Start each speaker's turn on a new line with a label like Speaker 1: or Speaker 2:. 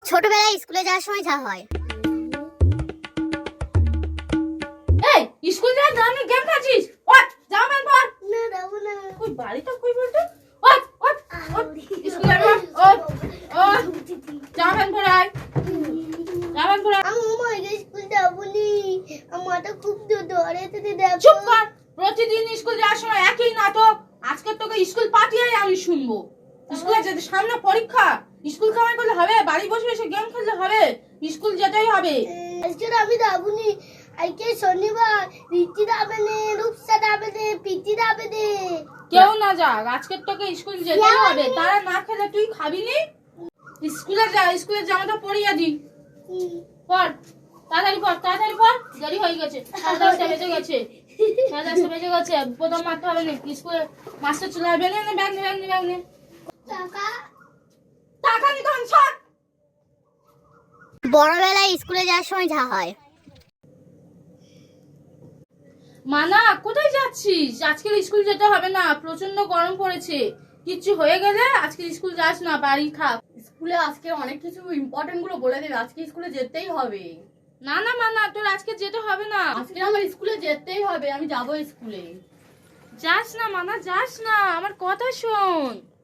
Speaker 1: ছোটবেলায় স্কুলে যাওয়ার সময় যা হয়।
Speaker 2: এই স্কুল যাওয়ার দামি গেম খেলছিস? ওঠ জামা প্যান্ট পর।
Speaker 1: না যাবো না।
Speaker 2: কই বাড়িটা কই বলতো? ওঠ ওঠ ওঠ স্কুল যাবি? ওঠ ওঠ জামা প্যান্ট পর আয়। জামা প্যান্ট পর আয়।
Speaker 1: আমি স্কুল যাবো নি, আমার তো খুব ধরে থেকে দেখো।
Speaker 2: চুপ কর। প্রতিদিন স্কুল যাওয়ার সময় একই নাটক। আজকে তোকে স্কুল পাঠিয়ে আমি শুনবো। স্কুলে যেতে সামনে পরীক্ষা। স্কুল কামাই করলে হবে? বাড়ি বসে বসে গেম খেললে হবে? স্কুল যেতেই হবে।
Speaker 1: আজকে আমি যাবো নি। আজকে শনিবার, রিচি যাবে নে, রূপসা যাবে নে, পিচি যাবে নে।
Speaker 2: কেউ না যাক, আজকে তোকে স্কুল যেতেই হবে। তারা না খেলে তুই খাবি নি? স্কুলে যা, স্কুলের জামাটা পরিয়ে দি। পর তাড়াতাড়ি পর, তাড়াতাড়ি পর, দেরি হয়ে গেছে। 10:30 বেজে গেছে। 10:30 বেজে গেছে। প্রথম মারতে হবে না। স্কুলে মাস্টার চলে আসবে। নে ব্যাগ নে, ব্যাগ নে, ব্যাগ নে।
Speaker 1: টাকা
Speaker 2: টাকা নিতে হবে সব।
Speaker 1: বড়বেলায় স্কুলে যাওয়ার সময় যা হয়।
Speaker 2: মানা কোথায় যাচ্ছিস? আজকে স্কুল যেতে হবে না, প্রচন্ড গরম পড়েছে। কিচ্ছু হয়ে গেলে আজকে স্কুল যাস না, বাড়ি থাক।
Speaker 3: স্কুলে আজকে অনেক কিছু ইম্পর্টেন্ট গুলো বলে দেবে, আজকে স্কুলে যেতেই হবে।
Speaker 2: না না মানা, তোর আজকে যেতে হবে না।
Speaker 3: আজকে আমার স্কুলে যেতেই হবে, আমি যাবো স্কুলে।
Speaker 2: যাস না মানা, যাস না, আমার কথা শোন।